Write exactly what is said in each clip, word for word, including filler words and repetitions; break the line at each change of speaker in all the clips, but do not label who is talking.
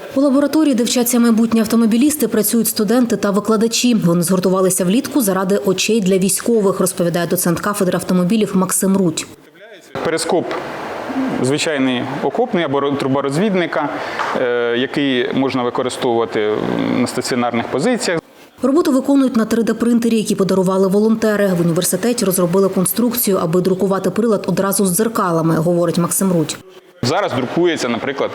У лабораторії, де вчаться майбутні автомобілісти, працюють студенти та викладачі. Вони згуртувалися влітку заради очей для військових, розповідає доцент кафедри автомобілів Максим Рудь.
Перископ звичайний окопний або труборозвідника, який можна використовувати на стаціонарних позиціях.
Роботу виконують на три де-принтері, які подарували волонтери. В університеті розробили конструкцію, аби друкувати прилад одразу з дзеркалами, говорить Максим Рудь.
Зараз друкується, наприклад,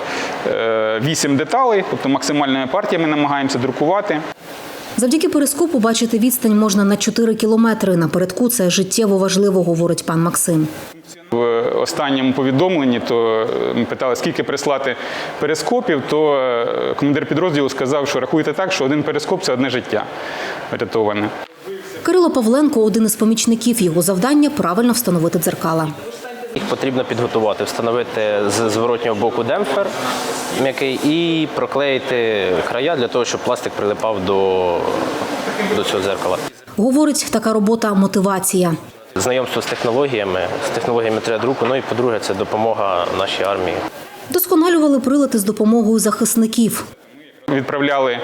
вісім деталей, тобто максимальними партіями намагаємося друкувати.
Завдяки перископу бачити відстань можна на чотири кілометри. Напередку це життєво важливо, говорить пан Максим.
В останньому повідомленні то ми питали, скільки прислати перископів, то командир підрозділу сказав, що рахуйте так, що один перископ – це одне життя врятоване.
Кирило Павленко – один із помічників. Його завдання – правильно встановити дзеркала.
Їх потрібно підготувати, встановити з зворотнього боку демпфер м'який і проклеїти края для того, щоб пластик прилипав до, до цього дзеркала.
Говорить, така робота – мотивація.
Знайомство з технологіями, з технологіями три де друку, ну і, по-друге, це допомога нашій армії.
Досконалювали прилади з допомогою захисників.
Відправляли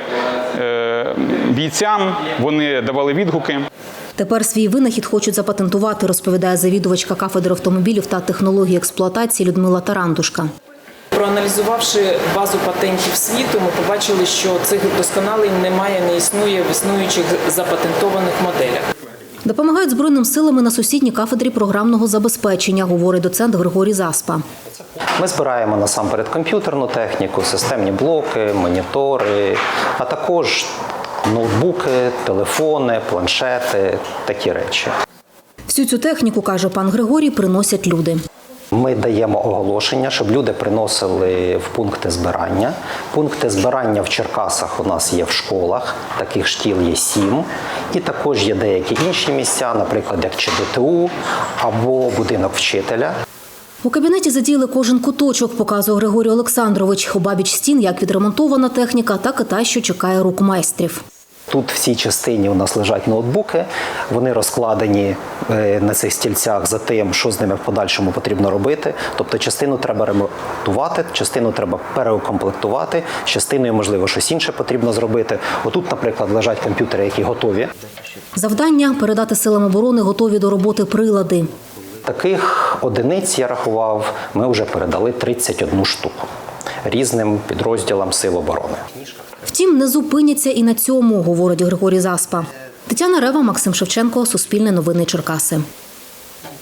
е, бійцям, вони давали відгуки.
Тепер свій винахід хочуть запатентувати, розповідає завідувачка кафедри автомобілів та технології експлуатації Людмила Тарандушка.
Проаналізувавши базу патентів світу, ми побачили, що цих досконалень немає, не існує в існуючих запатентованих моделях.
Допомагають Збройним силам і на сусідній кафедрі програмного забезпечення, говорить доцент Григорій Заспа.
Ми збираємо насамперед комп'ютерну техніку, системні блоки, монітори, а також ноутбуки, телефони, планшети, такі речі.
Всю цю техніку, каже пан Григорій, приносять люди.
Ми даємо оголошення, щоб люди приносили в пункти збирання. Пункти збирання в Черкасах у нас є в школах, таких шкіл є сім. І також є деякі інші місця, наприклад, як ЧДТУ або будинок вчителя.
У кабінеті задіяли кожен куточок, показує Григорій Олександрович. Обабіч стін як відремонтована техніка, так і та, що чекає рук майстрів.
Тут в цій частині у нас лежать ноутбуки, вони розкладені на цих стільцях за тим, що з ними в подальшому потрібно робити. Тобто частину треба ремонтувати, частину треба переукомплектувати, частиною, можливо, щось інше потрібно зробити. Отут, наприклад, лежать комп'ютери, які готові.
Завдання – передати силам оборони готові до роботи прилади.
Таких одиниць, я рахував, ми вже передали тридцять одну штуку різним підрозділам Сил оборони.
Втім, не зупиняться і на цьому, говорить Григорій Заспа. Тетяна Рева, Максим Шевченко, Суспільне новини Черкаси.